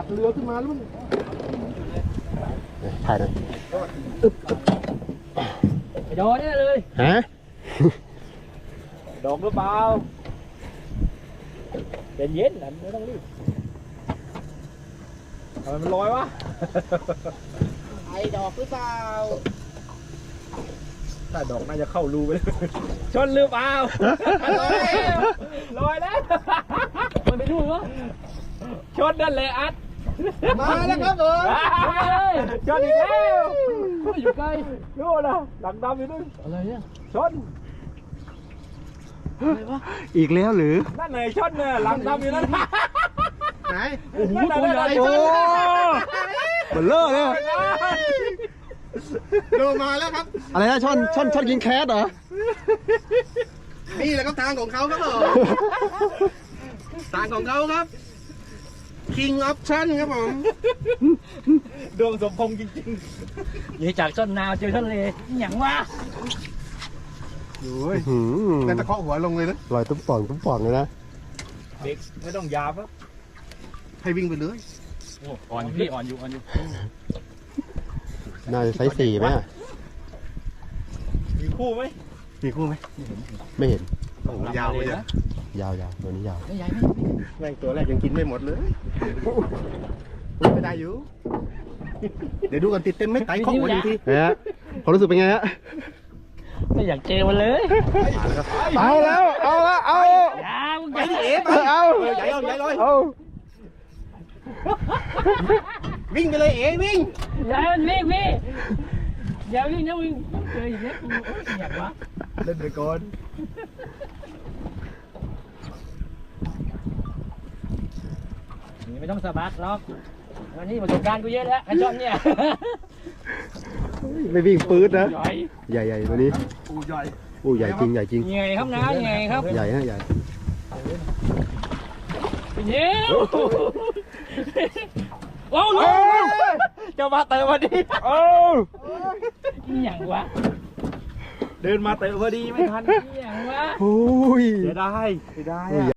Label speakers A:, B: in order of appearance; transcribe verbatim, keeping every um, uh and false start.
A: กเรือขึ้นมาแล้วมันถ่ายหน่อย
B: ไอ้ดอกนี่เลย
A: ฮะ
B: ดอกหรือเปล่าเย็นเย็นนะไม่ต้องรีบทำไมมันลอยวะไอ้ดอกหรือเปล่าถ้าดอกน่าจะเข้ารูไปเลยชนหรือเปล่าลอยแล้วลอยแล้วมันไปดูวะชนนั่นเลยอัด
A: มาแล้วครับผม
B: ชนอีกแล้วอยู่ไกลดูนะหลังดำอยู่นู่นอะไรเนี่ยชนอะไรวะ
A: อีกแล้วหรือ
B: นั่นไหนชนเนี่ยหลังดำอยู่นั่น
A: ไหนโอ้โหตัวใหญ่โอ้เบลเลอร์เลยโดมาแล้วครับอะไรนะช่อนช่อนช่อนยิงแคสเหรอนี่แหละครับทางของเขาครับผมทางของเขาครับ King Option ครับผม
B: ดวงสมพงษ์จริงๆยี่จากช่อนนาวเจอช่อนเลอย่างวะ
A: โอ้ยนั่นตะเคาะหัวลงเลยนะลอยตุ้มป่องตุ้มป่องเลยนะ
B: เด็กไม่ต้องยาปะ
A: ให้วิ่งไปเลย
B: โอ้อ่อนพี่อ่อนอยู่อ่อนอยู่
A: น่าจะไซส์สี่ไหม
B: มีคู่ไหม
A: มีคู่ไหมไม่เห็นโอ้ยาวเลย
B: นะ
A: ยาวยาวตัวนี้ยาว
B: ไม่ใหญ่ไม่
A: แม่งตัวแรกยังกินไม่หมดเลยไม่ได้อยู่เดี๋ยวดูกันติดเต็มไม่ไต่ข้อมูลทีฮะความรู้สึกเป็นไงฮะ
B: ไม่อยากเจอมันเลย
A: เอาแล้วเอาแล้วเอา
B: อย่ามึง
A: ไปดิเอ๋ไปเอาใหญ่เอาใหญ่เลยเอาวิ่งไปเลยเอ๋วิ่ง
B: อย่าวิ่งพี่อย่าวิ่งนะวิ่งเจออย่างนี้กูอยากวะ
A: เล่นไปก่อน
B: นี่ไม่ต้องสะบัดหรอกวันนี้ประสบการณ์กูเยอะแล้วไอ้จอนเนี่ย
A: ไม่วิ่งปื๊ดนะ
B: ใหญ่
A: ใหญ่ใหญ่ตัวนี้
B: อู้ใหญ่
A: อู้ใหญ่จริงใหญ่จริง
B: ใหญ่ครับนะใหญ่ครับ
A: ใหญ่ฮะใหญ่
B: เย้โอ้โหจะมาเตะพอดีโอ้อย่างวะเดินมาเตะพอดีไม่ทันอย่างวะ
A: โอ้ย
B: เสียดายเสียดาย